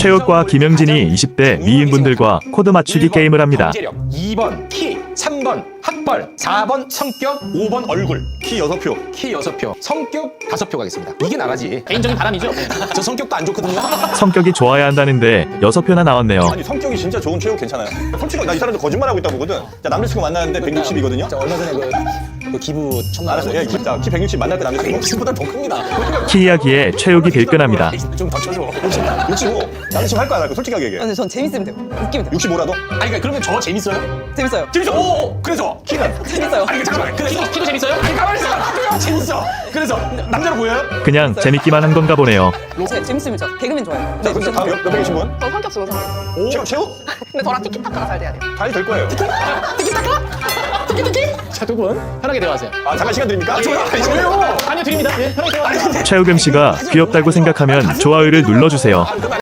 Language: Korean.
최욱과 김영진이 20대 미인분들과 코드 맞추기 게임을 합니다. 경제력, 2번 키, 3번 학벌, 4번 성격, 5번 얼굴. 키 6표. 키 6표, 성격 5표 가겠습니다. 이게 나가지. 개인적인 바람이죠. 저 성격도 안 좋거든요. 성격이 좋아야 한다는데 6표나 나왔네요. 아니 성격이 진짜 좋은 최욱 괜찮아요. 솔직히 나 이 사람들 거짓말하고 있다 보거든. 자 남자친구 만나는데 160이거든요. 자, 얼마 전에 그 기부 천만 알았어. 야, 진짜 키 160 만날 때 남자친구 기부보다 더 큽니다. 키 이야기에 최욱이 빌끈합니다. 좀 더 쳐줘. 65. 남자친구 할 거야 안 할 거야? 솔직하게 얘기해. 근데 전 재밌으면 돼요. 웃기면 돼요. 65라도? 아니 그러니까 그러면 저 재밌어요? 재밌어요. 재밌어. 오, 그래서 키는 재밌어요. 아니 잠깐만. 그래서 키도 재밌어요? 아니 가만히 있어. 재밌어. 그래서 남자로 보여요? 그냥 재밌기만 한 건가 보네요. 재밌으면 저 개그맨 좋아해요. 자 그럼 다음 옆에 계신 분? 저 성격 좋은 사람. 최욱? 근데 저랑 티키타카가 잘 돼야 돼요. 잘 될 거예요. 자, 두 분 편하게 대화하세요. 아 잠깐 시간 드립니까? 왜요? 아니요, 드립니다. 예, 편하게 대화하세요. 최욱음 씨가 귀엽다고 생각하면 좋아요를 눌러주세요.